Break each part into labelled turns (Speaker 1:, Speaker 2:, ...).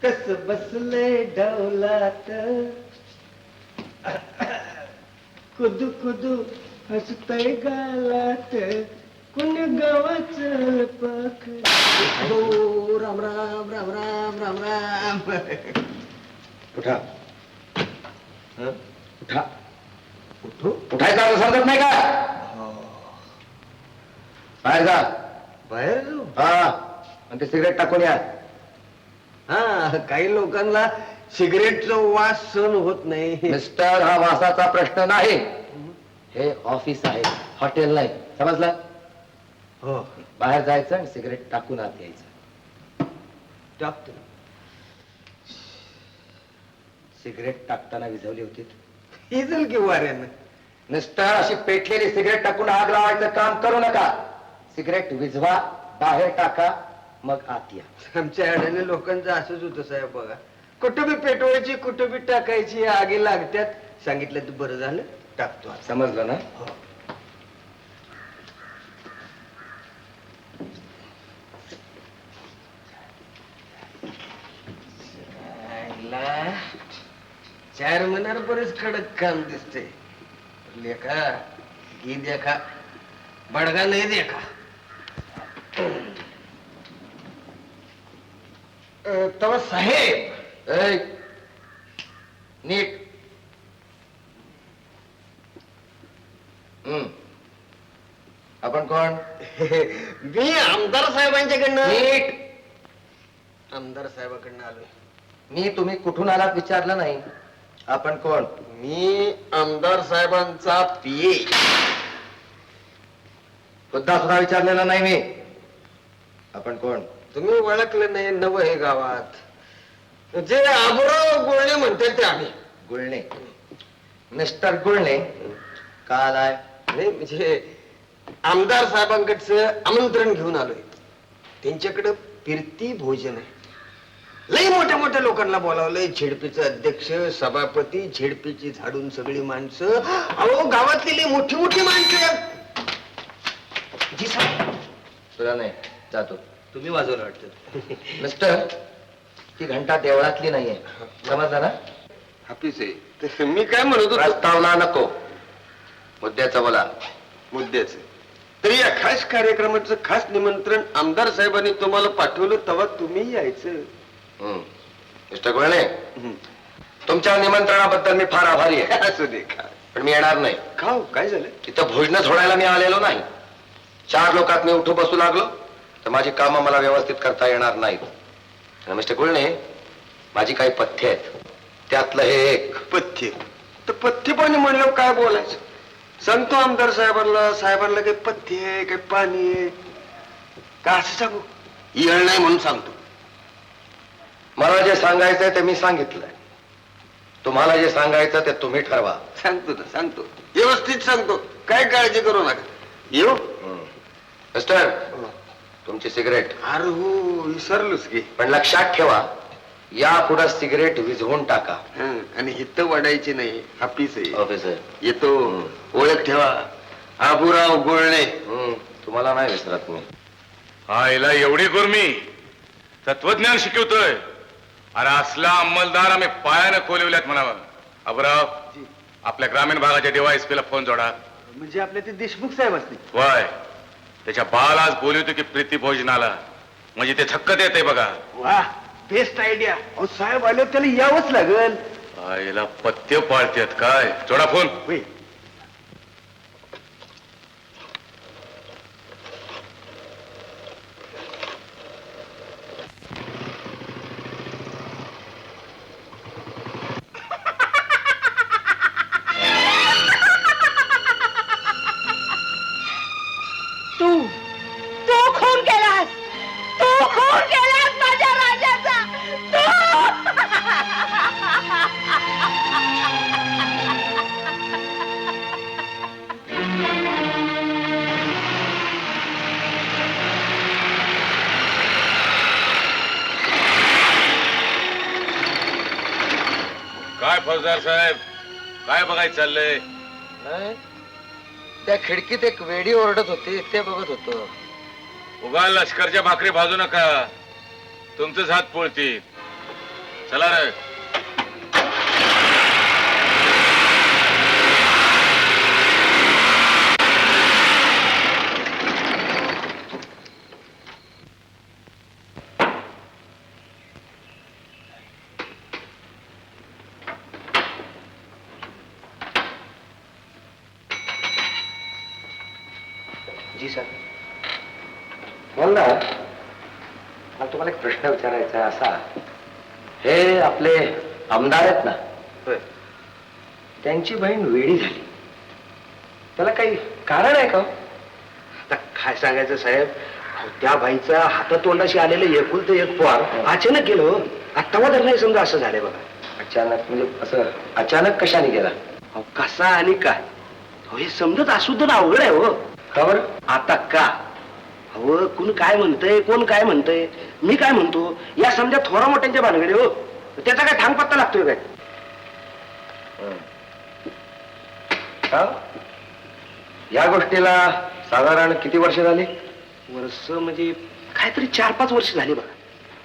Speaker 1: कस बसले डौलात कुदू कुदू हसतय गालात कुण गावाचं पाख.
Speaker 2: हो राम राम राम राम राम राम.
Speaker 1: उठा उठा
Speaker 2: उठू
Speaker 1: उठायचा अर्थ समजत नाही का? बाहेर जा.
Speaker 2: बाहेर जाऊ.
Speaker 1: हा आणि ते सिगरेट टाकून या.
Speaker 2: हा काही लोकांना सिगरेटचा वास सहन होत नाही.
Speaker 1: मिस्टर, हा वासाचा प्रश्न नाही. हे ऑफिस आहे, हॉटेल नाही. समजलं?
Speaker 2: हो
Speaker 1: बाहेर जायचं आणि सिगरेट टाकून आत यायचं.
Speaker 2: टाकतो.
Speaker 1: सिगरेट टाकताना विझवली होती.
Speaker 2: हिजल की वाऱ्यानं.
Speaker 1: मिस्टर, अशी पेटलेली सिगरेट टाकून आग लावायचं काम करू नका. सिगरेट विझवा, बाहेर टाका, मग आत या.
Speaker 2: आमच्या अडाणी लोकांचं असंच होतं साहेब बघा. कुठं बी पेटवायची कुठं बी टाकायची आगी लागत्यात. सांगितलं तर बरं झालं टाकतो.
Speaker 1: समजलं ना?
Speaker 2: चार मनार बरेच कडक काम दिसते. लेखा घी देखा बडगा नाही देखा. तव साहेब
Speaker 1: ऐ, नीट. आपण कोण?
Speaker 2: मी आमदार साहेबांच्याकडनं.
Speaker 1: नीट.
Speaker 2: आमदार साहेबाकडनं आलोय.
Speaker 1: मी तुम्ही कुठून आलात विचारलं नाही. आपण कोण?
Speaker 2: मी आमदार साहेबांचा पीए.
Speaker 1: सुद्धा सुद्धा विचारलेलं नाही मी. आपण कोण?
Speaker 2: तुम्ही ओळखलं नाही नव हे गावात. जे आबुराव गुळणे म्हणतात ते आम्ही.
Speaker 1: गुळणे? मिस्टर गुळणे का आलाय?
Speaker 2: नाही म्हणजे आमदार साहेबांकडचं आमंत्रण घेऊन आलोय. त्यांच्याकडं फिरती भोजन आहे. लई मोठ्या मोठ्या लोकांना बोलावलंय. झेडपीचं अध्यक्ष, सभापती, झेडपीची झाडून सगळी माणसं. अहो गावातली लई मोठी मोठी माणसं. जी साहेब.
Speaker 1: तुला नाही, जातो.
Speaker 2: तुम्ही वाजवलं वाटतं.
Speaker 1: मिस्टर, ती घंटा देवळातली नाहीये. समजलं ना?
Speaker 2: हापीस आहे. मी काय म्हणत होतो.
Speaker 1: प्रस्तावना नको, मुद्द्याचं बोला.
Speaker 2: मुद्द्याचं तरी या खास कार्यक्रमाचं खास निमंत्रण आमदार साहेबांनी तुम्हाला पाठवलं तेव्हा तुम्ही यायचं.
Speaker 1: मिस्टर गुळणे, तुमच्या निमंत्रणाबद्दल मी फार आभारी आहे.
Speaker 2: असू दे का.
Speaker 1: पण मी येणार नाही.
Speaker 2: खाऊ काय झालं.
Speaker 1: तिथं भोजन सोडायला मी आलेलो नाही. 4 लोकात मी उठू बसू लागलो तर माझी कामं मला व्यवस्थित करता येणार नाहीत. मिस्टर गुळणे, माझी काही पथ्य आहेत. त्यातलं हे एक
Speaker 2: पथ्य. तर पथ्य पाणी म्हणलं काय बोलायचं. सांगतो आमदार साहेबांना. साहेबांना काही पथ्य आहे काही पाणी आहे का असं सांगू. येळ नाही म्हणून सांगतो.
Speaker 1: मला जे सांगायचंय ते मी सांगितलंय. तुम्हाला जे सांगायचं ते तुम्ही ठरवा.
Speaker 2: सांगतो ना सांगतो. व्यवस्थित सांगतो. काय काळजी करू नका. येऊ.
Speaker 1: मिस्टर, तुमची सिगरेट.
Speaker 2: अरे हो विसरलोच की.
Speaker 1: पण लक्षात ठेवा, या पुढे सिगरेट विझवून टाका.
Speaker 2: आणि हित वाढायची नाही. हापीस आहे.
Speaker 1: ऑफिसर
Speaker 2: येतो. ओळख ठेवा. आबुराव गुळणे.
Speaker 1: तुम्हाला नाही विसरत मी.
Speaker 3: आईला एवढी गुरमी तत्वज्ञान शिकवतोय. अरे असला अंमलदार आम्ही पायानं कोलवल्यात म्हणावं. अबराव, आपल्या ग्रामीण भागाच्या DYSP ला फोन जोडा.
Speaker 2: म्हणजे आपल्या ते देशमुख साहेब असतील.
Speaker 3: वय त्याच्या बाल आज बोलवतो की प्रीती भोजनाला. म्हणजे ते थक्कत येते बघा.
Speaker 2: वा बेस्ट आयडिया. साहेब आले त्याला यावंच लागल.
Speaker 3: आईला पथ्य पाळतेत काय. जोडा फोन.
Speaker 4: तू खून केलास. तू खून केलास माझ्या राजाचा.
Speaker 3: काय फौजदार साहेब, काय बघायचं चाललंय.
Speaker 1: नाही, त्या खिडकीत एक वेडी ओरडत होती, ते बघत होतो.
Speaker 3: उगा लष्करच्या भाकरी भाजू नका, तुमचंच हात पोळतील. चला रे.
Speaker 1: जी सर. बोल ना. मला तुम्हाला एक प्रश्न विचारायचा आहे असा. हे आपले आमदार आहेत ना, त्यांची बहीण वेडी झाली, त्याला काही कारण आहे का?
Speaker 2: आता काय सांगायचं साहेब, अहो, त्या बाईचा हातातोंडाशी आलेलं एकुलतं एक पोर अचानक गेलो. आता तर नाही समजा असं झालंय बघा.
Speaker 1: अचानक म्हणजे असं अचानक कशाने गेला?
Speaker 2: अहो, कसा आणि काय, अहो, हे समजत असू तर अवघड आहे हो.
Speaker 1: का बरं?
Speaker 2: आता का, अहो कोण काय म्हणतंय कोण काय म्हणतंय, मी काय म्हणतो, या समजा थोरा मोठ्यांच्या भानगडी हो. त्याचा काय ठाम पत्ता लागतोय काय?
Speaker 1: का? या गोष्टीला साधारण किती वर्ष झाली?
Speaker 2: वर्ष म्हणजे काहीतरी 4-5 वर्ष झाली बघा.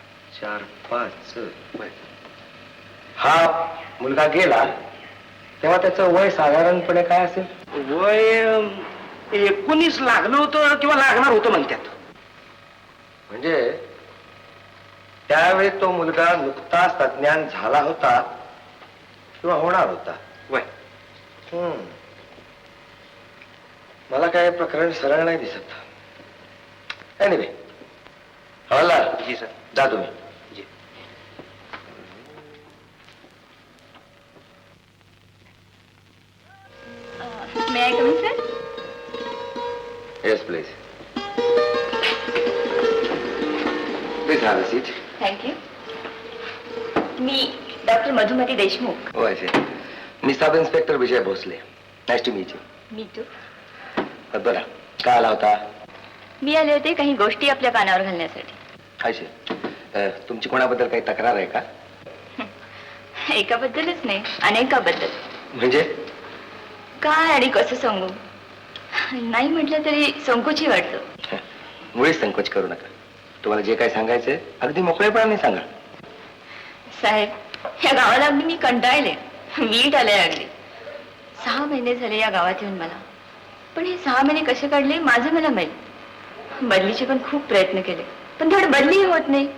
Speaker 1: 4-5. हा मुलगा गेला तेव्हा त्याचं वय साधारणपणे काय असेल?
Speaker 2: वय 19 लागलं होतं किंवा लागणार होतं म्हणतात.
Speaker 1: म्हणजे त्यावेळी तो मुलगा नुकताच तज्ञान झाला होता किंवा होणार होता.
Speaker 2: वय
Speaker 1: मला काय प्रकरण सरळ नाही दिसत. एनिवे, हवालदार.
Speaker 2: जी सर.
Speaker 1: जा तुम्ही.
Speaker 2: जी.
Speaker 4: May I come sir?
Speaker 1: Yes please. Please have a seat.
Speaker 4: Thank you. मी डॉक्टर मधुमती देशमुख.
Speaker 1: हो असे. मी sub inspector Vijay Bhosale. Nice to meet you.
Speaker 4: Me too.
Speaker 1: बरं, काय आला होता?
Speaker 4: मी आले होते काही गोष्टी आपल्या कानावर घालण्यासाठी.
Speaker 1: असे तुमची कोणाबद्दल काही तक्रार आहे का?
Speaker 4: एकाबद्दलच नाही, अनेकाबद्दल.
Speaker 1: म्हणजे
Speaker 4: काय आणि कसं सांगू, नाही म्हटलं तरी संकोची वाटतं.
Speaker 1: मुळीच संकोच करू नका. तुम्हाला जे काय सांगायचंय अगदी मोकळेपणाने सांगा.
Speaker 4: साहेब, या गावाला अगदी मी कंटाळले, वीट आले अगदी. 6 महिने झाले या गावात येऊन मला. पण हे 6 महिने कसे काढले माझं मला माहित. बदलीचे पण खूप प्रयत्न केले, पण थोडं बदलीही होत नाही.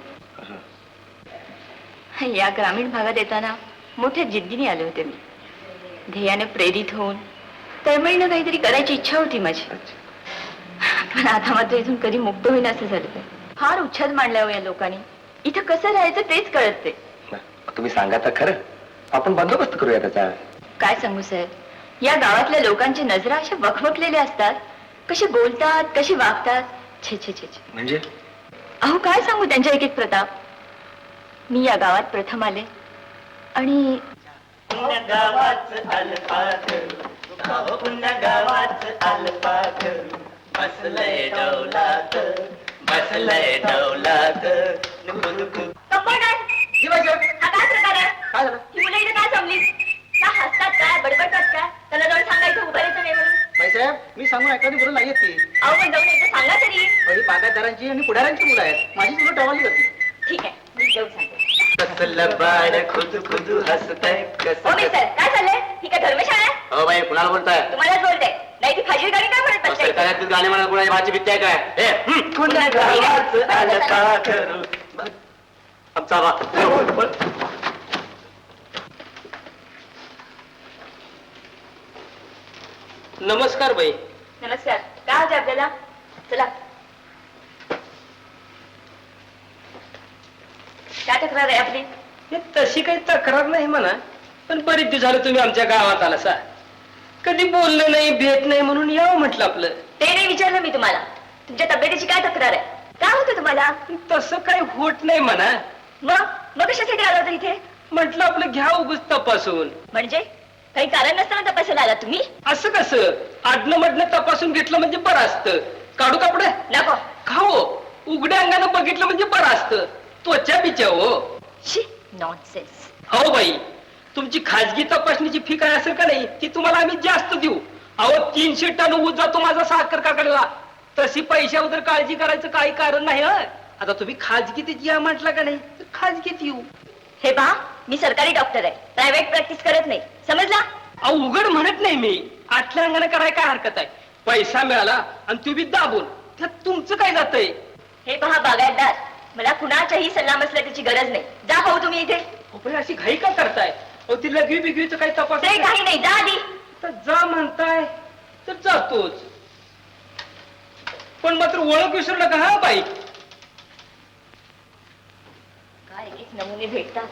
Speaker 4: या ग्रामीण भागात येताना मोठ्या जिद्दीने आले होते मी, ध्येयाने प्रेरित होऊन. तळमळीनं काहीतरी करायची इच्छा होती माझी. पण आता मात्र इथून कधी मुक्त होईन असं झालं. फार उच्छाद मांडला हो या लोकांनी. इथं कसं राहायचं तेच कळत ते.
Speaker 1: तुम्ही सांगा तर खरं, आपण बंदोबस्त करूया त्याचा.
Speaker 4: काय सांगू साहेब, या गावातल्या लोकांची नजरा अशा वखवकलेल्या असतात, कसे बोलतात कसे वागतात. छे छे छे छे.
Speaker 1: म्हणजे
Speaker 4: अहो काय सांगू त्यांच्या एक एक प्रताप. मी या गावात प्रथम आले आणि हसतात काय बडबडतात काय, त्याला जाऊन सांगायचं उभारायचं नाही म्हणून.
Speaker 2: साहेब, मी सांगून ऐकली बरोबर नाहीये ती.
Speaker 4: अहो पण जाऊन एकदा सांगा तरी.
Speaker 2: ही बागायतदारांची आणि पुढाऱ्यांची मुलं आहेत. माझी मुलं टवाली जाती.
Speaker 4: ठीक आहे, मी जाऊन सांगते.
Speaker 2: कसलं बाळ खुद खुद हसतंय
Speaker 4: हो मिस्टर, काय चाललंय? ही काय धर्मशाळा आहे?
Speaker 2: हो बाई, कुणाला बोलताय?
Speaker 4: तुम्हालाच बोलते. नाही ती फाजील गाणी काय म्हणत बसताय?
Speaker 2: सरकारतील गाणे म्हणा, कुणाची भाजी बित्ती आहे काय? कुणा गावाचं आलं का करू? आमचा नमस्कार बाई.
Speaker 4: नमस्कार. काय होते आपल्याला? चला. काय तक्रार आहे आपली?
Speaker 5: तशी काही तक्रार नाही म्हणा, पण बरीच दिवस झालं तुम्ही आमच्या गावात आला सा. कधी बोललं नाही, भेट नाही, म्हणून यावं म्हटलं आपलं.
Speaker 4: ते नाही विचारलं मी तुम्हाला. तुमच्या तब्येतीची काय तक्रार आहे? काय होतं तुम्हाला?
Speaker 5: तसं काही होत नाही म्हणा.
Speaker 4: मग कशासाठी आला होता इथे?
Speaker 5: म्हटलं आपलं घ्या उगच तपासून.
Speaker 4: म्हणजे काही कारण नसताना तपासायला आला तुम्ही?
Speaker 5: असं कसं, आडनं मडनं तपासून घेतलं म्हणजे बरं असतं. काढू कापड
Speaker 4: नको.
Speaker 5: खाओ, उघड्या अंगानं बघितलं म्हणजे बरं असतं. त्वचा बिचा हो.
Speaker 4: नॉनसेन्स.
Speaker 5: हो बाई, तुमची खाजगी तपासणीची फी काय असेल का नाही, ती तुम्हाला आम्ही जास्त देऊ. अहो 300 टन ऊस जातो माझा साखर कारखान्याला. तशी पैशाबद्दल काळजी करायचं काही कारण नाही. आता तुम्ही खाजगीत या म्हटलं का नाही, तर खाजगीत येऊ.
Speaker 4: हे पहा, मी सरकारी डॉक्टर आहे, प्रायव्हेट प्रॅक्टिस करत नाही, समजला?
Speaker 5: अहो उघड म्हणत नाही मी, आतल्या अंगाने करायला काय हरकत आहे? पैसा मिळाला आणि तू बी दाबून, त्यात तुमचं काय जातंय?
Speaker 4: हे पहा बागायतदार, मला कुणाच्याही सल्लामसलतीची गरज नाही. जा पाहू तुम्ही इथे.
Speaker 5: अहो, पण अशी घाई का करताय? अहो ती लघवी बिघवीचं काही तपास
Speaker 4: ते काही नाही, जा आधी.
Speaker 5: तर जा म्हणताय तर जातोच, पण मात्र ओळख विसरू नका हा बाई.
Speaker 4: काय एक एक नमुने भेटतात.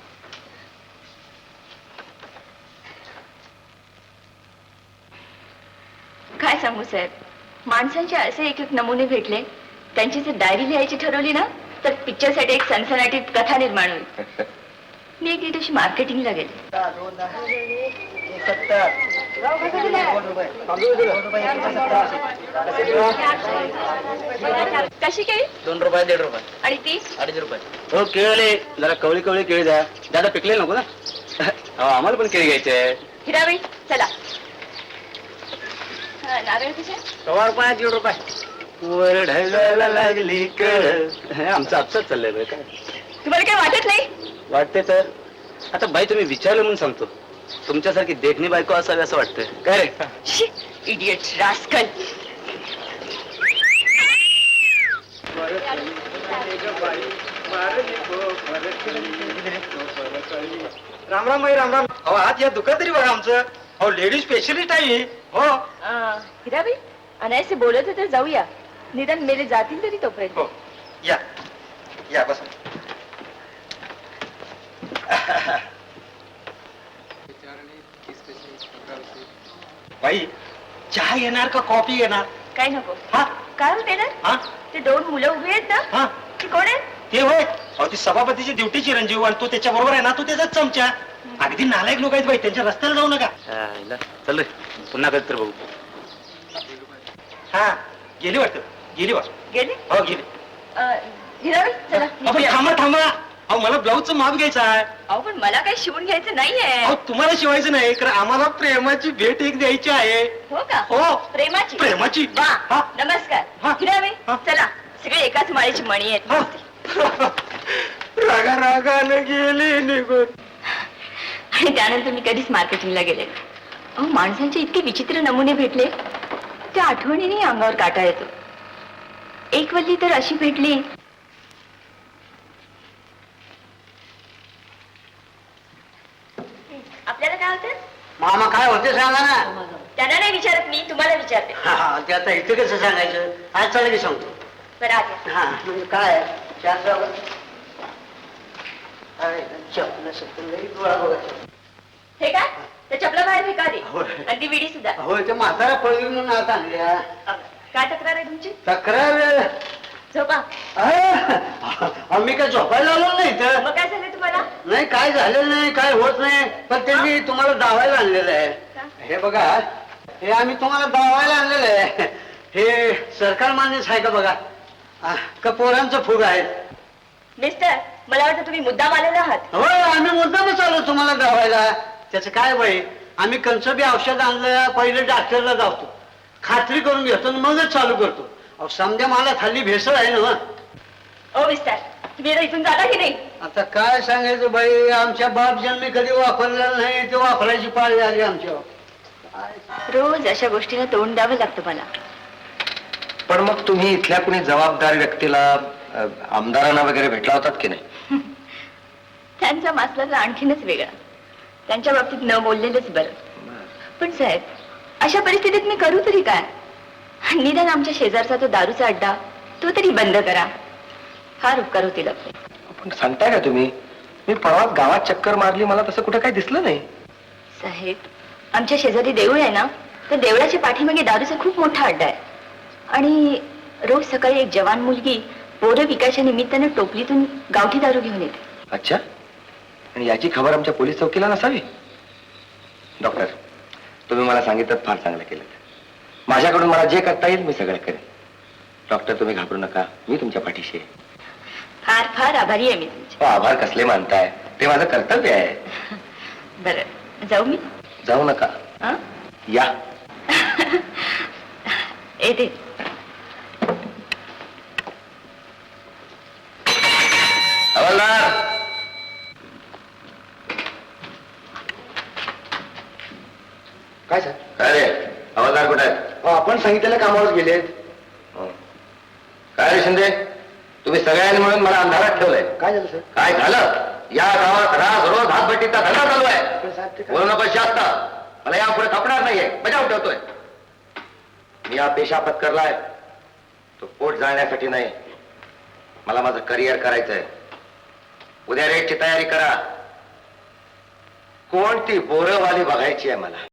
Speaker 4: काय सांगू साहेब, माणसांचे असे एक एक नमुने भेटले, त्यांची जर डायरी लिहायची ठरवली ना तर पिक्चरसाठी एक सनसनाटीत कथा निर्माण होईल. मी एक दिवशी मार्केटिंगला गेले. कशी केळी?
Speaker 6: 2 रुपये 1.5 रुपये
Speaker 4: आणि ती
Speaker 6: 2.5 रुपये. हो केळले जरा कवळी कवळी केळी द्या, दादा पिकले नको ना. हो आम्हाला पण केळी घ्यायचे आहे.
Speaker 4: हिराबाई चला. हा, नारळ कसे?
Speaker 6: 1 रुपये 1.5 रुपये. वर ढगायला लागली कळ. आमचं आपसाच चाललंय बरं काय.
Speaker 4: तुम्हाला काय वाटत नाही?
Speaker 6: वाटते तर आता बाई तुम्ही विचारलं म्हणून सांगतो, तुमच्यासारखी देखणी बायको असावी असं वाटतंय काय रे.
Speaker 4: Idiot rascal.
Speaker 2: राम राम बाई, राम राम. अहो आज या दुकान तरी बघा आमचं. अहो लेडीज स्पेशलिस्ट आहे. हो
Speaker 4: हिराबाई अनायसे बोलत होते, जाऊया, निदान मेले जातील तरी तोपर्यंत.
Speaker 2: हो या या बस. बाई चहा येणार का कॉफी येणार?
Speaker 4: काय नको.
Speaker 2: हा
Speaker 4: काय होते ना,
Speaker 2: हा
Speaker 4: ते 2 मुलं उभी आहेत ना,
Speaker 2: हा
Speaker 4: ती कोण आहेत?
Speaker 2: ते होय. अहो ती सभापतीची ड्युटी चिरंजीव आणि तो त्याच्या बरोबर आहे ना, तो त्याचाच चमचा. अगदी नालायक लोक आहेत बाई, त्यांच्या रस्त्याला जाऊ नका.
Speaker 6: चल रे पुन्हा कधी तर बघू.
Speaker 2: हा गेली वाटतं, गेली वाटत.
Speaker 4: गेले?
Speaker 2: हो गेली.
Speaker 4: हिराबाई चला.
Speaker 2: आपण थांबा थांबा. अहो मला ब्लाऊजचं माप घ्यायचं आहे.
Speaker 4: अहो पण मला काही शिवून घ्यायचं नाहीये.
Speaker 2: अहो तुम्हाला शिवायचं नाही, कारण आम्हाला प्रेमाची भेट एक द्यायची आहे.
Speaker 4: हो का?
Speaker 2: हो.
Speaker 4: प्रेमाची?
Speaker 2: प्रेमाची.
Speaker 4: वा,
Speaker 2: हा.
Speaker 4: नमस्कार.
Speaker 2: हा.
Speaker 4: हिराबाई
Speaker 2: हा.
Speaker 4: चला, सगळे एकाच माळेची मणी आहेत.
Speaker 2: हा. रागा रागानं गेली निघून.
Speaker 4: आणि त्यानंतर मी कधीच मार्केटिंगला गेले. अहो माणसांचे इतके विचित्र नमुने भेटले, त्या आठवणीने अंगावर काटा येतो. एक वल्ली तर अशी भेटली. आपल्याला काय होतं?
Speaker 6: मामा काय होते सांगा ना.
Speaker 4: त्यांना नाही विचारत मी, तुम्हाला विचारते.
Speaker 6: ते आता इथे कसं सांगायचं, आज चाललं की सांगतो.
Speaker 4: बरं आता
Speaker 6: हा म्हणजे काय चपलं
Speaker 4: हे काय? त्या चपला बाहेर फेका दे.
Speaker 6: होय.
Speaker 4: आणि ती विडी सुद्धा.
Speaker 6: होय ते म्हातारा पळवी म्हणून आता आणल्या.
Speaker 4: काय तक्रार आहे तुमची?
Speaker 6: तक्रार
Speaker 4: झोपा.
Speaker 6: आम्ही काय झोपायला आलो नाही तर.
Speaker 4: मग काय झालं तुम्हाला?
Speaker 6: नाही काय झालेलं नाही, काय होत नाही, पण त्यांनी तुम्हाला दावायला आणलेलं आहे. हे बघा, हे आम्ही तुम्हाला दावायला आणलेलं आहे. हे सरकार मान्यच आहे का बघा, का पोरांचं फुग आहे.
Speaker 4: मिस्टर, मला वाटतं तुम्ही मुद्दाम आलेला आहात.
Speaker 6: होय आम्ही मुद्दामच आलो तुम्हाला दावायला. त्याचं काय बाई, आम्ही कंचबी औषध आणलं, पहिले डॉक्टरला जातो, खात्री करून घेतो आणि मगच चालू करतो. अहो समजा मला खाली भेसळ आहे ना.
Speaker 4: ओ मिस्टर, तुम्ही आता इथून जाता की नाही?
Speaker 6: आता काय सांगायचं बाई, आमच्या बाप जन्मी कधी वापरलेलं नाही, ते वापरायची पाळी आली आमच्यावर.
Speaker 4: रोज अशा गोष्टीला तोंड द्यावं लागतं मला.
Speaker 1: पण मग तुम्ही इथल्या कुणी जबाबदार व्यक्तीला, आमदारांना वगैरे भेटला होतात की नाही?
Speaker 4: त्यांचा मासला तर आणखीनच वेगळा. त्यांच्या बाबतीत न बोललेलंच बरं. पण साहेब, अशा परिस्थितीत मी करू तरी काय? निदान आमच्या शेजारचा तो दारूचा अड्डा, तो तरी बंद करा. फार उपकार होतील आपले.
Speaker 1: पण सांगताय का तुम्ही? मी परवा गावात चक्कर मारली, मला तसं कुठं काही दिसलं नाही.
Speaker 4: साहेब, आमच्या शेजारी देऊळ आहे ना, त्या देवळाच्या पाठीमागे दारूचा खूप मोठा अड्डा आहे. आणि रोज सकाळी एक जवान मुलगी पोरं विकायच्या निमित्तानं टोपलीतून गावठी दारू घेऊन येते.
Speaker 1: अच्छा, आणि याची खबर आमच्या पोलीस चौकीला नसावी? डॉक्टर, तुम्ही मला सांगितलं फार चांगलं केलं. माझ्याकडून मला जे करता येईल मी सगळं करेन. डॉक्टर तुम्ही घाबरू नका, मी तुमच्या पाठीशी आहे.
Speaker 4: फार फार आभारी आहे मी तुमची.
Speaker 1: आभार कसले मानताय, ते माझं कर्तव्य आहे.
Speaker 4: बरं, जाऊ मी?
Speaker 1: जाऊ नका,
Speaker 4: हं?
Speaker 1: या.
Speaker 4: येते.
Speaker 1: हवालदार, हवालदार कुठे आहेत?
Speaker 6: आपण सांगितलेल्या कामावर गेलेत.
Speaker 1: काय रे शिंदे, तुम्ही सगळ्यांनी म्हणून मला अंधारात ठेवलंय.
Speaker 6: काय झालं सर?
Speaker 1: काय झालं? या गावात रोज हातभट्टीचा धंदा चालू आहे.
Speaker 6: पण साहेब ते काय?
Speaker 1: बोलू नको जास्त, मला यापुढे खपणार नाहीये. बजाव ठेवतोय. मी हा पेशा पत्करलाय तो पोट जाळण्यासाठी नाही, मला माझं करिअर करायचंय. उद्या रेटची तयारी करा. कोणती बोरवाली बघायची आहे मला.